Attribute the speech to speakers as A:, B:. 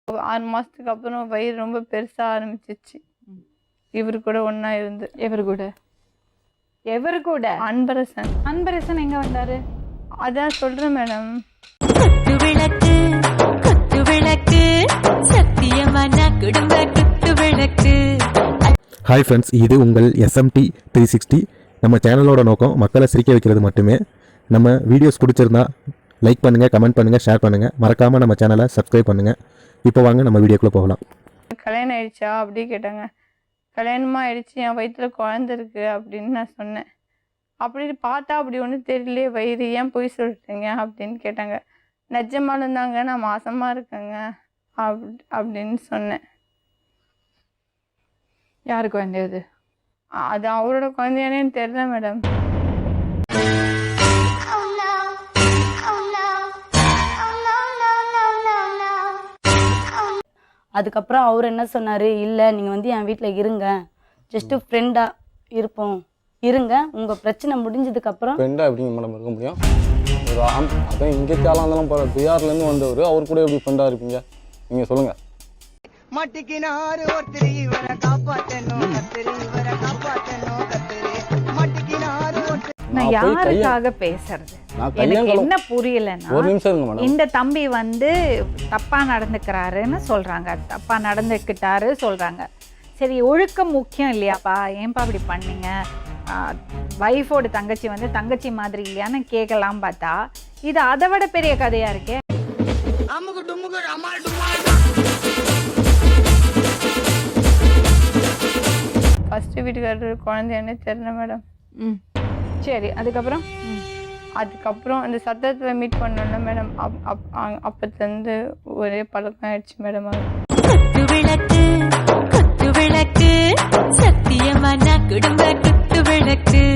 A: 6 மாசத்துக்கு அப்புறம் வயிறு ரொம்ப பெருசா ஆரம்பிச்சிச்சு. இவரு கூட ஒண்ணா இருந்து.
B: எவரு கூட?
A: அன்பரசன்.
B: அன்பரசன் எங்க வந்தாரு?
A: அதான் சொல்றேன் மேடம்.
C: ஹாய் ஃப்ரெண்ட்ஸ், இது உங்கள் SMT 360. நம்ம சேனலோட நோக்கம் மக்களை சிரிக்க வைக்கிறது மட்டுமே. நம்ம வீடியோஸ் பிடிச்சிருந்தா லைக் பண்ணுங்கள், கமெண்ட் பண்ணுங்கள், ஷேர் பண்ணுங்கள். மறக்காமல் நம்ம சேனலை சப்ஸ்கிரைப் பண்ணுங்கள். இப்போ வாங்க நம்ம வீடியோக்குள்ளே போகலாம்.
A: கல்யாணம் ஆயிடுச்சா அப்படி கேட்டாங்க. கல்யாணமாக ஆயிடுச்சு, என் வயிற்றுல குழந்தை இருக்கு அப்படின்னு நான் சொன்னேன். அப்படி பார்த்தா அப்படி ஒன்றும் தெரியலையே வயிறு, ஏன் போய் சொல்லிட்டீங்க அப்படின்னு கேட்டாங்க. நிஜமாக இருந்தாங்க, நான் மாசமாக இருக்கேங்க அப்படின்னு சொன்னேன்.
B: யாரு குழந்தை அது?
A: அது அவரோட குழந்தையானேன்னு தெரியல மேடம்.
D: அதுக்கப்புறம் அவர் என்ன சொன்னார், இல்லை நீங்கள் வந்து என் வீட்டில் இருங்க, ஜஸ்ட்டு ஃப்ரெண்டாக இருப்போம், இருங்க, உங்கள் பிரச்சனை முடிஞ்சதுக்கப்புறம்.
E: ஃப்ரெண்டாக எப்படிங்க மேடம் இருக்க முடியும்? ஒரு அதான் இங்கே தேலாந்தாலும் போகிற பிஆர்லேருந்து வந்தவர், அவர் கூட எப்படி ஃப்ரெண்டாக இருப்பீங்க நீங்கள் சொல்லுங்கள்.
F: மட்டிக்கினாரு ஒருத்தர் இவரை காப்பாற்றணும், கத்திரி இவரை காப்பாற்றணும், கத்திரி மட்டிக்கினாரு ஒருத்தர்.
B: நான் யாருக்காக பேசுறது எனக்கு என்ன புரியலன்னா,
E: ஒரு நிமிஷம் இருங்க மேடம்.
B: இந்த தம்பி வந்து தப்பா நடந்துக்கிறாருன்னு சொல்றாங்க, தப்பா நடந்துக்கிட்டாரு சொல்றாங்க. சரி, ஒழுக்கம் முக்கியம் இல்லையாப்பா, ஏன்பா அப்படி பண்ணீங்க, வைஃபோட தங்கச்சி வந்து தங்கச்சி மாதிரி இல்லையான்னு கேட்கலாம் பார்த்தா இது அதை விட பெரிய கதையா இருக்கே.
A: ஃபர்ஸ்ட் வீட்டுக்காரர் குழந்தையானே தெரியல மேடம்.
B: சரி, அதுக்கப்புறம்
A: அந்த சத்தத்தில் மீட் பண்ணோம்ல மேடம், அப்பத்துலேருந்து ஒரே பழக்கம் ஆயிடுச்சு மேடம்.
G: சத்தியமான குடும்ப குத்து விளக்கு.